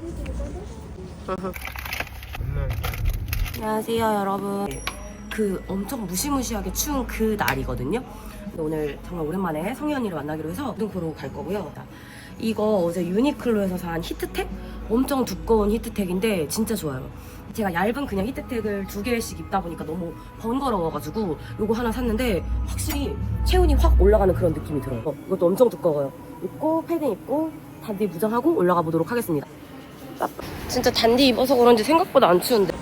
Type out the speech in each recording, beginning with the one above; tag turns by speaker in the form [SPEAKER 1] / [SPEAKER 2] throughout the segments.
[SPEAKER 1] 안녕하세요 여러분. 그 엄청 무시무시하게 추운 그 날이거든요. 근데 오늘 정말 오랜만에 성희 언니를 만나기로 해서 등포로 갈 거고요. 이거 어제 유니클로에서 산 히트텍? 엄청 두꺼운 히트텍인데 진짜 좋아요. 제가 얇은 그냥 히트텍을 2개씩 입다 보니까 너무 번거로워가지고 요거 하나 샀는데 확실히 체온이 확 올라가는 그런 느낌이 들어요. 이것도 엄청 두꺼워요. 입고 패딩 입고 단디 무장하고 올라가 보도록 하겠습니다. 진짜 단디 입어서 그런지 생각보다 안 추운데.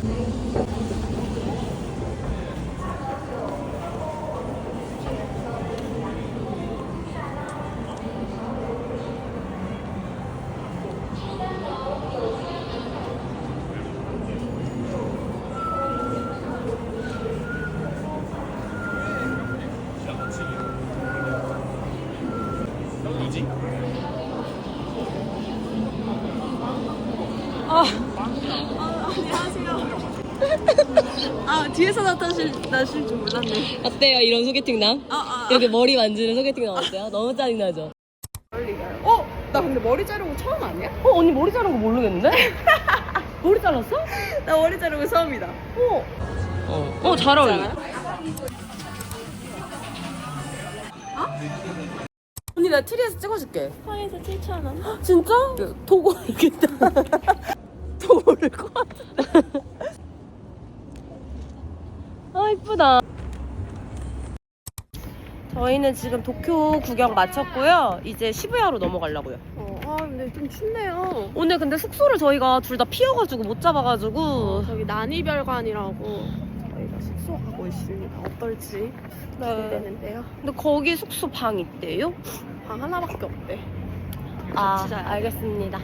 [SPEAKER 2] 안녕하세요. 뒤에서 나실 줄 몰랐네.
[SPEAKER 1] 어때요 이런 소개팅남? 이렇게 머리 만지는 소개팅남 어때요? 너무 짜증나죠?
[SPEAKER 2] 나 근데 머리 자르고 처음 아니야?
[SPEAKER 1] 언니 머리 자른 거 모르겠는데? 머리 잘랐어?
[SPEAKER 2] 나 머리 자르고 처음이다.
[SPEAKER 1] 잘 어울려. 언니 나 트리에서 찍어줄게.
[SPEAKER 2] 파에서 7,000원.
[SPEAKER 1] 진짜? 도구 이렇게 도구를 것 같은데. 아 이쁘다. 저희는 지금 도쿄 구경 마쳤고요. 이제 시부야로 넘어가려고요.
[SPEAKER 2] 근데 좀 춥네요.
[SPEAKER 1] 오늘 근데 숙소를 저희가 둘 다 피어가지고 못 잡아가지고
[SPEAKER 2] 저기 난이별관이라고 저희가 숙소 가고 있습니다. 어떨지 기대되는데요.
[SPEAKER 1] 근데 거기 숙소 방 있대요?
[SPEAKER 2] 방 하나밖에 없대.
[SPEAKER 1] 아 알겠습니다.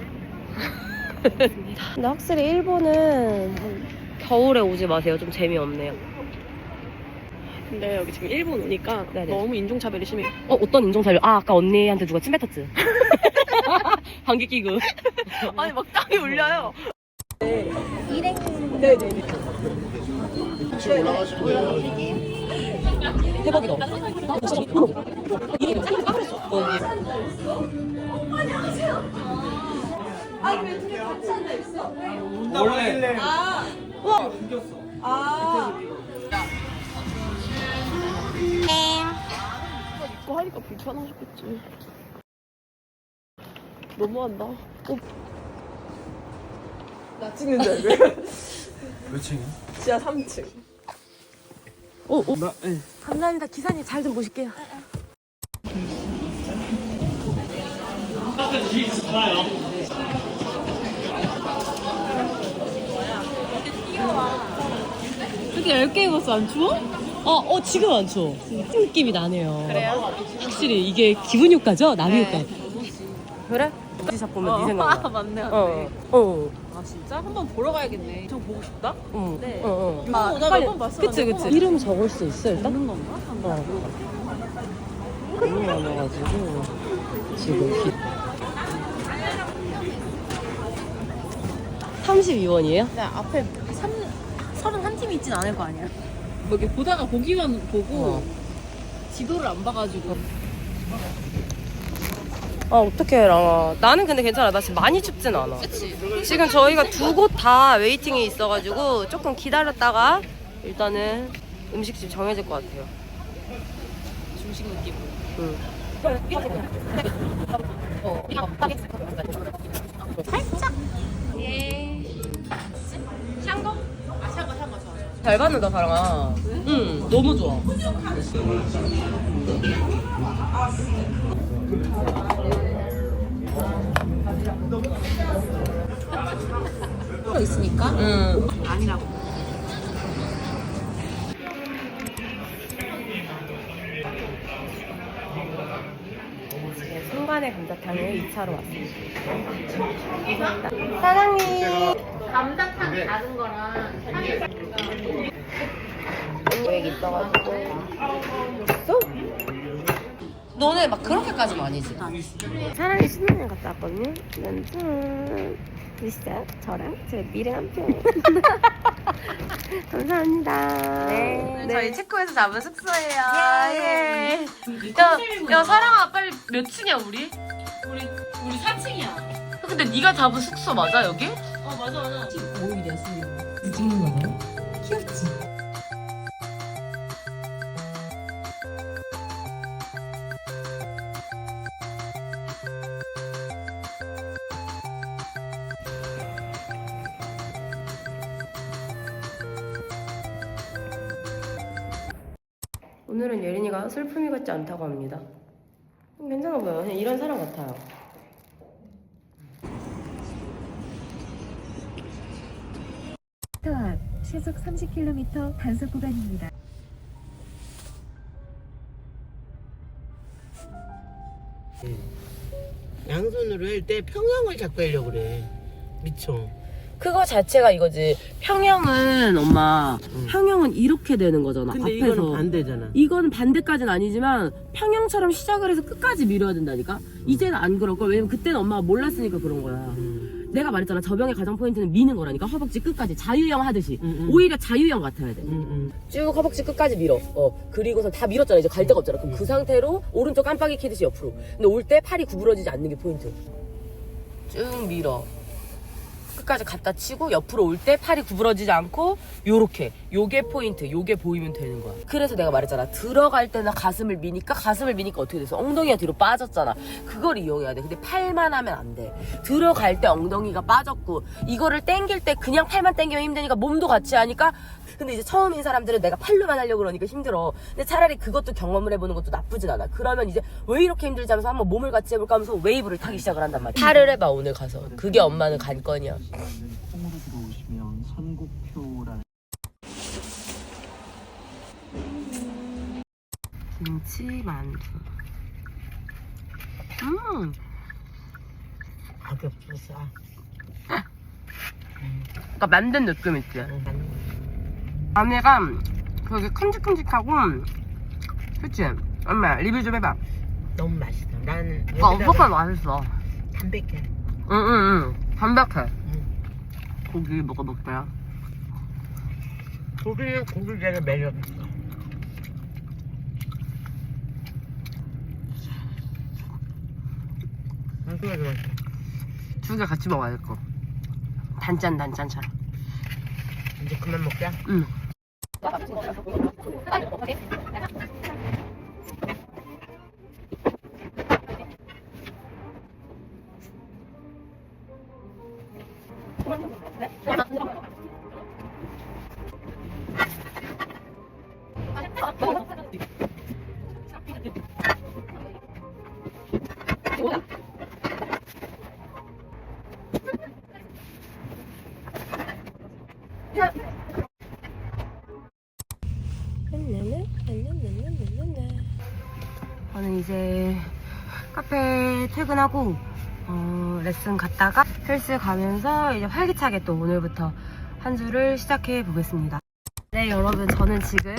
[SPEAKER 1] 근데 확실히 일본은 겨울에 오지 마세요. 좀 재미없네요.
[SPEAKER 2] 근데 여기 지금 일본 오니까
[SPEAKER 1] 네네.
[SPEAKER 2] 너무 인종차별이 심해요.
[SPEAKER 1] 어떤 인종차별? 아까 언니한테 누가 침 뱉었지? 방귀 끼고.
[SPEAKER 2] 아니 막 땅이 울려요.
[SPEAKER 1] 대박이다.
[SPEAKER 3] 원래
[SPEAKER 2] 입고 하니까 불편하셨겠지. 너무한다. 나 찍는 줄 알고.
[SPEAKER 3] 몇 층이야?
[SPEAKER 2] 지하 3층.
[SPEAKER 1] 감사합니다. 기사님 잘 좀 보실게요. 이렇게 10개 입었어. 안 추워? 지금 안 추워. 느낌이 나네요.
[SPEAKER 2] 그래요?
[SPEAKER 1] 확실히 이게 기분 효과죠? 남이 효과. 그래? 디샵 보면 네 생각나.
[SPEAKER 2] 맞네. 아 진짜? 한번 보러 가야겠네. 저 보고 싶다? 네. 오다가 몇번 봤어.
[SPEAKER 1] 그치. 이름 적을 수 있어 일단?
[SPEAKER 2] 보는 건가?
[SPEAKER 1] 너무 많아가지고 지금 32원이에요?
[SPEAKER 2] 네, 앞에 31팀이 있진 않을 거 아니야. 뭐 이렇게 보다가 보기만 보고 지도를 안 봐가지고.
[SPEAKER 1] 어떡해 랑아. 나는 근데 괜찮아. 나 지금 많이 춥진 않아.
[SPEAKER 2] 그치?
[SPEAKER 1] 지금 저희가 2곳 다 웨이팅이 있어가지고 조금 기다렸다가 일단은 음식집 정해질 것 같아요.
[SPEAKER 2] 중식 느낌으로.
[SPEAKER 1] 응.
[SPEAKER 2] 살짝. 예. 샹거? 샹거 좋아.
[SPEAKER 1] 잘 받는다 사랑아. 응 너무 좋아.
[SPEAKER 2] 있으니까?
[SPEAKER 1] 응.
[SPEAKER 2] 아니라고.
[SPEAKER 1] 순간의 감자탕을 2차로 왔습니다. 감사합니다. 사장님.
[SPEAKER 2] 감자탕이 다른 거랑
[SPEAKER 1] 계획 있어가지고. 있어? 너네 막 그렇게까지는 아니지? 사랑의 신혼여행 갔다 왔거든요. 짠. 있어요? 저랑 제 미래 남편. 감사합니다. 네. 저희 체코에서 잡은 숙소예요. 예. 야 사랑아 빨리 몇 층이야 우리?
[SPEAKER 2] 우리 4층이야.
[SPEAKER 1] 근데 근데 네가 잡은 숙소 맞아 여기?
[SPEAKER 2] 맞아.
[SPEAKER 1] 15일이야 찍는 거야?
[SPEAKER 2] 귀엽지?
[SPEAKER 1] 오늘은 예린이가 슬픔이 같지 않다고 합니다. 괜찮아 보여. 그냥 이런 사람 같아요.
[SPEAKER 4] 앞 시속 30km 단속 구간입니다.
[SPEAKER 5] 양손으로 할 때 평형을 잡고 하려고 그래. 미쳐.
[SPEAKER 1] 그거 자체가 이거지. 평형은 엄마,
[SPEAKER 5] 응.
[SPEAKER 1] 평형은 이렇게 되는 거잖아.
[SPEAKER 5] 근데
[SPEAKER 1] 앞에서.
[SPEAKER 5] 이거는 반대잖아.
[SPEAKER 1] 이건 반대까지는 아니지만 평형처럼 시작을 해서 끝까지 밀어야 된다니까. 이제는 안 그럴 걸. 왜냐면 그때는 엄마가 몰랐으니까 그런 거야. 내가 말했잖아. 저병의 가장 포인트는 미는 거라니까. 허벅지 끝까지 자유형 하듯이. 오히려 자유형 같아야 돼. 쭉 허벅지 끝까지 밀어. 그리고서 다 밀었잖아. 이제 갈 데가 없잖아. 그럼 그 상태로 오른쪽 깜빡이 키듯이 옆으로. 근데 올 때 팔이 구부러지지 않는 게 포인트. 쭉 밀어. 끝까지 갖다 치고 옆으로 올 때 팔이 구부러지지 않고 요렇게. 요게 포인트. 요게 보이면 되는 거야. 그래서 내가 말했잖아. 들어갈 때는 가슴을 미니까 어떻게 됐어? 엉덩이가 뒤로 빠졌잖아. 그걸 이용해야 돼. 근데 팔만 하면 안 돼. 들어갈 때 엉덩이가 빠졌고 이거를 당길 때 그냥 팔만 당기면 힘드니까 몸도 같이 하니까. 근데 이제 처음인 사람들은 내가 팔로만 하려고 그러니까 힘들어. 근데 차라리 그것도 경험을 해보는 것도 나쁘진 않아. 그러면 이제 왜 이렇게 힘들지 하면서 한번 몸을 같이 해볼까 하면서 웨이브를 타기 시작을 한단 말이야. 팔을 해봐 오늘 가서. 그게 엄마는 관건이야.
[SPEAKER 3] 콩으로 들어오시면 선곡표라는
[SPEAKER 1] 김치 만두.
[SPEAKER 5] 가격 비싸.
[SPEAKER 1] 그러니까 만든 느낌 있지. 안에가 되게 큼직큼직하고, 그치? 엄마 리뷰 좀 해봐.
[SPEAKER 5] 너무 맛있다. 나는
[SPEAKER 1] 엄청 맛있어.
[SPEAKER 5] 담백해.
[SPEAKER 1] 응. 담백해. 고기 먹어볼게요.
[SPEAKER 5] 고기는 고기대로 매력 있어. 맛있어.
[SPEAKER 1] 두 개 같이 먹어야 될 거. 단짠처럼.
[SPEAKER 5] 이제 그만 먹자.
[SPEAKER 1] 응. 저는 이제 카페 퇴근하고 레슨 갔다가 헬스 가면서 이제 활기차게 또 오늘부터 한 주를 시작해 보겠습니다. 네 여러분 저는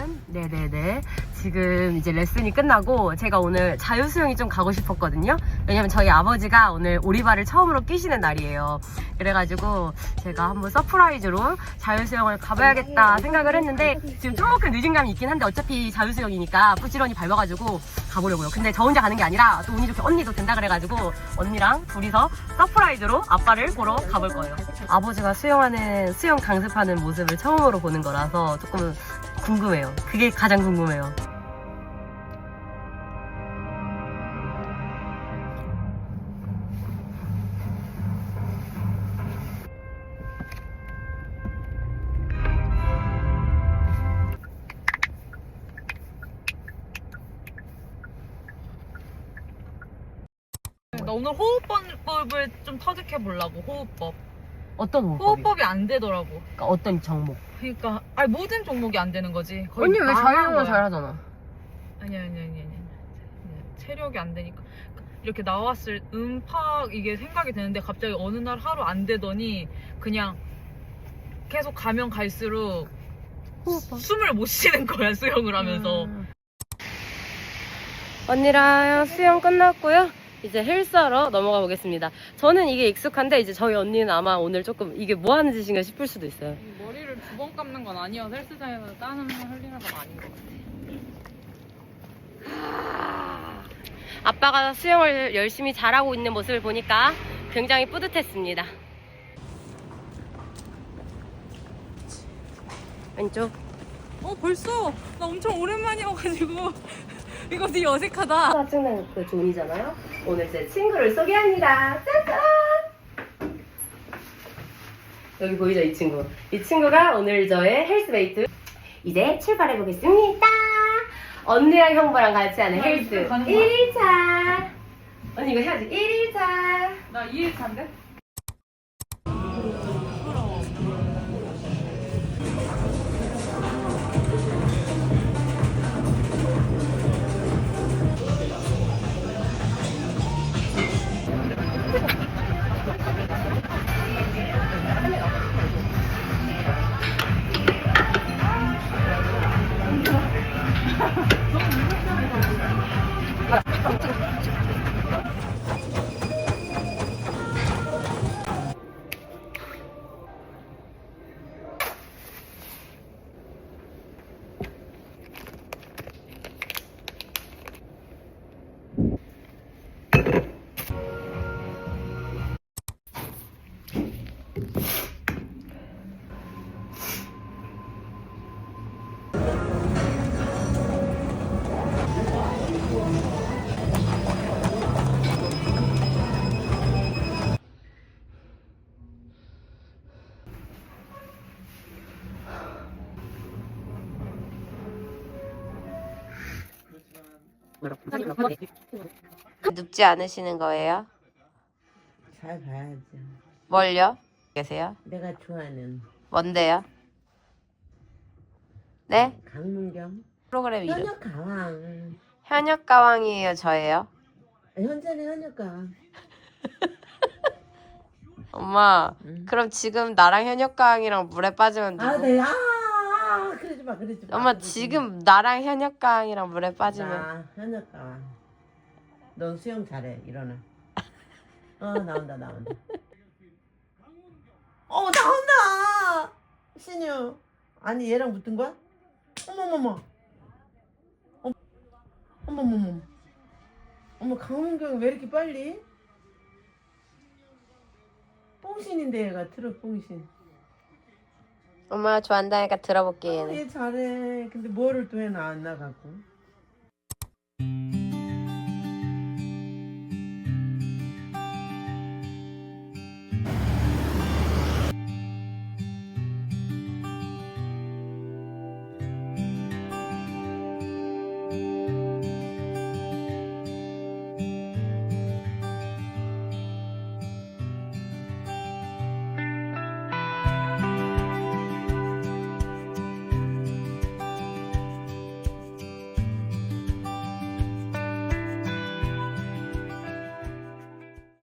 [SPEAKER 1] 지금 이제 레슨이 끝나고 제가 오늘 자유수영이 좀 가고 싶었거든요. 왜냐면 저희 아버지가 오늘 오리발을 처음으로 끼시는 날이에요. 그래가지고 제가 한번 서프라이즈로 자유수영을 가봐야겠다 생각을 했는데 지금 조금 늦은 감이 있긴 한데 어차피 자유수영이니까 부지런히 밟아가지고 가보려고요. 근데 저 혼자 가는 게 아니라 또 운이 좋게 언니도 된다 그래가지고 언니랑 둘이서 서프라이즈로 아빠를 보러 가볼 거예요. 아버지가 수영 강습하는 모습을 처음으로 보는 거라서 조금 궁금해요. 그게 가장 궁금해요.
[SPEAKER 6] 나 오늘 호흡법을 좀 터득해 보려고. 호흡법.
[SPEAKER 1] 어떤 호흡법이?
[SPEAKER 6] 호흡법이 안 되더라고.
[SPEAKER 1] 그러니까 어떤 종목?
[SPEAKER 6] 그러니까 아니 모든 종목이 안 되는 거지. 거의
[SPEAKER 1] 언니 왜
[SPEAKER 6] 망한
[SPEAKER 1] 자유형을
[SPEAKER 6] 거야.
[SPEAKER 1] 잘하잖아.
[SPEAKER 6] 아니. 체력이 안 되니까 이렇게 나왔을 음팍 이게 생각이 되는데 갑자기 어느 날 하루 안 되더니 그냥 계속 가면 갈수록
[SPEAKER 1] 호흡법.
[SPEAKER 6] 숨을 못 쉬는 거야 수영을 하면서.
[SPEAKER 1] 언니랑 수영 끝났고요. 이제 헬스하러 넘어가 보겠습니다. 저는 이게 익숙한데 이제 저희 언니는 아마 오늘 조금 이게 뭐 하는 짓인가 싶을 수도 있어요.
[SPEAKER 6] 머리를 두 번 감는 건 아니어서 헬스장에서 땀을 흘리는 건 아닌 것 같아.
[SPEAKER 1] 아빠가 수영을 열심히 잘하고 있는 모습을 보니까 굉장히 뿌듯했습니다. 왼쪽.
[SPEAKER 6] 벌써? 나 엄청 오랜만이어가지고 이거 되게 어색하다.
[SPEAKER 1] 짜증나는 그 존이잖아요. 오늘 제 친구를 소개합니다. 짜잔! 여기 보이죠, 이 친구. 이 친구가 오늘 저의 헬스메이트. 이제 출발해 보겠습니다. 언니랑 형부랑 같이 하는 헬스 1일차. 언니 이거 해야지. 1일차.
[SPEAKER 6] 나 2일차인데?
[SPEAKER 1] 눕지 않으시는 거예요?
[SPEAKER 5] 잘 봐야죠.
[SPEAKER 1] 뭘요? 계세요?
[SPEAKER 5] 내가 좋아하는
[SPEAKER 1] 뭔데요? 네?
[SPEAKER 5] 강문경.
[SPEAKER 1] 프로그램 이름.
[SPEAKER 5] 현역가왕.
[SPEAKER 1] 현역가왕이에요, 저예요?
[SPEAKER 5] 현재는 현역가왕.
[SPEAKER 1] 엄마,
[SPEAKER 5] 응.
[SPEAKER 1] 그럼 지금 나랑 현역가왕이랑 물에 빠지면 누구?
[SPEAKER 5] 네. 그러지 마, 그러지 마.
[SPEAKER 1] 엄마,
[SPEAKER 5] 그러지
[SPEAKER 1] 지금 나랑 현역가왕이랑 물에
[SPEAKER 5] 마.
[SPEAKER 1] 빠지면
[SPEAKER 5] 나 현역가왕. 넌 수영 잘해. 일어나. 나온다. 나온다. 신유. 아니 얘랑 붙은 거야? 어머머머. 어머머머. 어머 강문경이 왜 이렇게 빨리? 뽕신인데 얘가 트럭 뽕신.
[SPEAKER 1] 엄마가 좋아한다니까 들어볼게, 얘는.
[SPEAKER 5] 얘 잘해. 근데 뭐를 또 해 나 안 나가고.